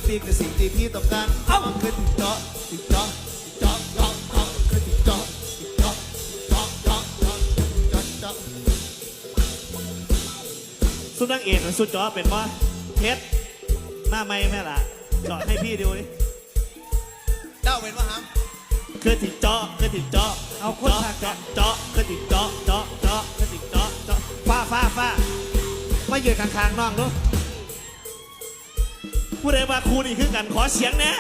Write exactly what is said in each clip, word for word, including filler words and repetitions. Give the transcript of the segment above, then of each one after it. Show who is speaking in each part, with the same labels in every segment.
Speaker 1: ปีคือสิ่งที่พี่ต้องการเอาคือถึงเจาะถึงเจาะเจาะเจาะเจาะคือถึงเจาะเจาะเจาะเจาะเจาะเจาะเจาะสุดนางเอกสุดเจาะเป็นว่าเพชรหน้าไม่แม่ล่ะเจาะให้พี่ดูดิเจ้าเป็นว่าฮัมคือถึงเจาะคือถึงเจาะเอาคนเจาะเจาะเจาะคือถึงเจาะเจาะเจาะคือถึงเจาะเจาะฟ้าฟ้าฟ้ามายืนข้างๆน้องดูผู้ใดมาครูนี่คือกันขอเสียงแน่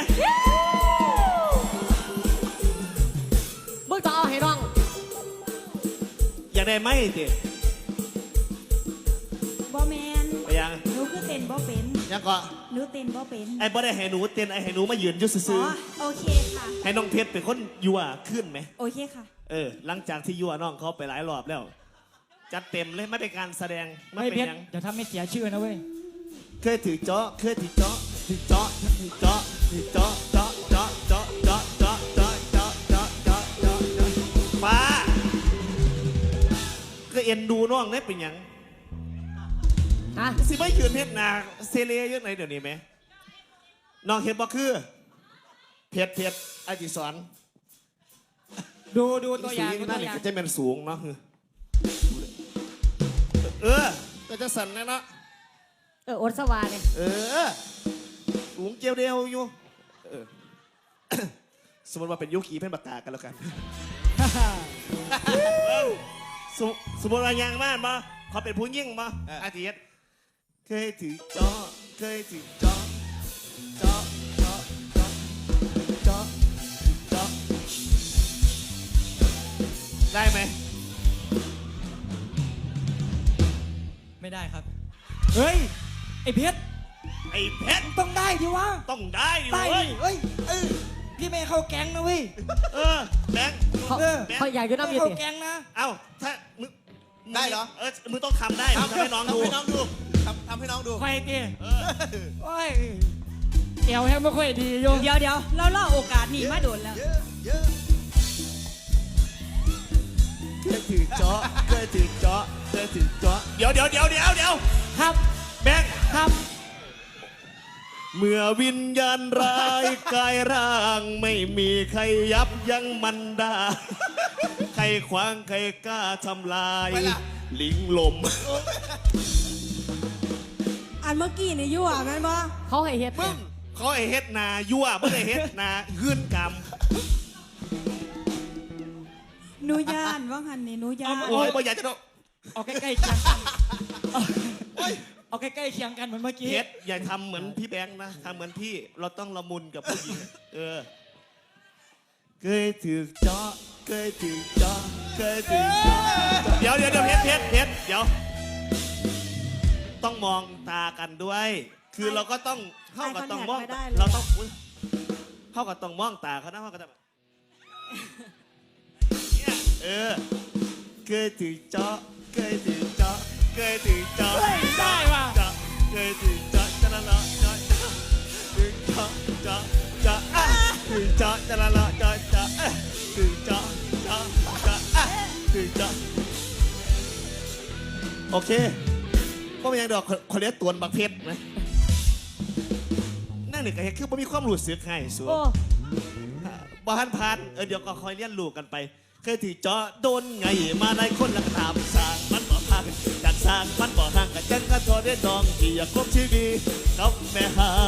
Speaker 2: มึงต่อให้น้อง
Speaker 1: อยากได้ไหมเจ๊
Speaker 3: บ่แมน
Speaker 1: ไปยัง
Speaker 3: หนูคือเต้นบ่เป็น
Speaker 1: ยังก็
Speaker 3: หนูเต้นบ่เป็น
Speaker 1: ไอ้บ่ได้ให้หนูเต้นไอ้ให้หนูมายืนยุ่ซื่อ
Speaker 3: โอเคค่ะ
Speaker 1: ให้น้องเพชรเป็นคนยั่วขึ้นไหม
Speaker 3: โอเคค่ะ
Speaker 1: เออหลังจากที่ยั่วน้องเขาไปหลายรอบแล้วจัดเต็มเลยไม่เป็นการแสดง
Speaker 4: ไม่เป็นยังเดี๋ยวทำให้เสียชื่อนะเว้ย
Speaker 1: เคยถือเจาะเคยถือเจาะถือเจาะถือเจาะถือเจาะเจาะเจาะเจาะเจาะเจาะเจาะเจาะเจาะเจาะเจาะเจาะฟ้าก็เอ็นดูน้องได้เป็นยัง
Speaker 2: ฮะ
Speaker 1: สิไม่ยืนเพชรนาเซเลียเยอะไหนเดี๋ยวนี้ไหมน้องเห็นบ่คือเพชรเพชรไอจิสอน
Speaker 4: ดูดูตัวอย่าง
Speaker 1: นั่นนี่ก็จะเป็นสูงเนาะเออก็จะสั่นนะเนาะ
Speaker 2: เอออดสวาเนี่ย
Speaker 1: เออสูงเจียวเดียวอยู่เออสมมติว่าเป็นยุคีเป็นปากกากันแล้วกันสมมติว่ายังบ้านมาเขาเป็นผู้ยิ่งมาอาทิตย์เคยถือเจาะเคยถือเจาะเจาะเจาะเจาะเจาะเจาะได้ไหม
Speaker 4: ไม่ได้ครับเฮ้ยไอ้เพชร
Speaker 1: ไอ้เพชร
Speaker 4: ต้องได้ดิวะ
Speaker 1: ต้องได้ดิ
Speaker 4: เว้ยเฮ้ยเออพี่ไม่เข้าแก๊งนะเว้ย
Speaker 1: เออแบงค์
Speaker 2: เออเขาอยากจะน้ำยืด
Speaker 4: เข้าแก๊งนะ
Speaker 1: เอ้าถ้ามึง
Speaker 5: ได้เหรอ
Speaker 1: เออมึงต้องทำได้ทำให้น้องดู
Speaker 5: ทำให้น้องดูทำทำให้น้องดู
Speaker 4: ใครตีโอ้ยเอวแห้งไม่ค่อยดีโย
Speaker 3: เดี๋ยวเดี๋ยวเราล่อโอกาสนี่มาโดนแล้ว
Speaker 1: เคยถือเจาะเคยถือเจาะเคยถือเจาะเดี๋ยวเดี๋ยวเดี๋ยวเดี๋ยวเดี๋ยว
Speaker 4: ครับ
Speaker 1: แบงค์
Speaker 4: ครับ
Speaker 1: เมื่อวิญญาณร้ายกายร่างไม่มีใครยับยั้งมันได้ใครขวางใครกล้าทำลายลิงลม
Speaker 3: อันเมื่อกี้นี่ยั่วแม่นบ่
Speaker 2: เขาให้เฮ็ด
Speaker 1: มึงเขาให้เฮ็ดนายั่วไม่ได้เฮ็ดนาหื่นกรรม
Speaker 3: หนูย่านว่าหันนี่หนูย่าน
Speaker 1: โอ้ยบ่อยากจะโดน
Speaker 4: เอาใกล้ๆเคียงกันเอาใกล้ๆเคียงกันเหมือนเมื่อกี้
Speaker 1: เฮ็ดอย่าทำเหมือนพี่แบงค์นะทำเหมือนพี่เราต้องละมุนกับผู้หญิงเออเคยถือเจาะเคยถือเจาะเคยถือเจาะเดี๋ยวเดี๋ยวเดี๋ยวเพชรเพชรเพชรเดี๋ยวต้องมองตากันด้วยคือเราก็ต้องเข้ากับต้องมองเราต้องเข้ากับต้องมองตาเขานะเข้ากับเนี่ยเออเคยถือเจาะเคยถือเจาะเคยถือเจาะ
Speaker 4: ได้ว่ะ
Speaker 1: เคยถือเจาะจะละละเจาะถือเจาะเจาะเจาะถือเจาะจะละละเจาะเจาะถือเจาะเจาะเจาะถือเจาะโอเคก็ไม่ยังดอกคนเลี้ยงตัวบักเพชรนะนั่นนี่ก็คือไม่มีความรู้สึกให้สูบ้านพันเออเดี๋ยวก็คอยเลี้ยงลูกกันไปเคยถือเจาะโดนไงมาในคนละตามสร้างมันบ่พักจากสร้างมันบ่ห่างกันจังกันทอได้ดองที่อยากคบชีวิตกับแม่หา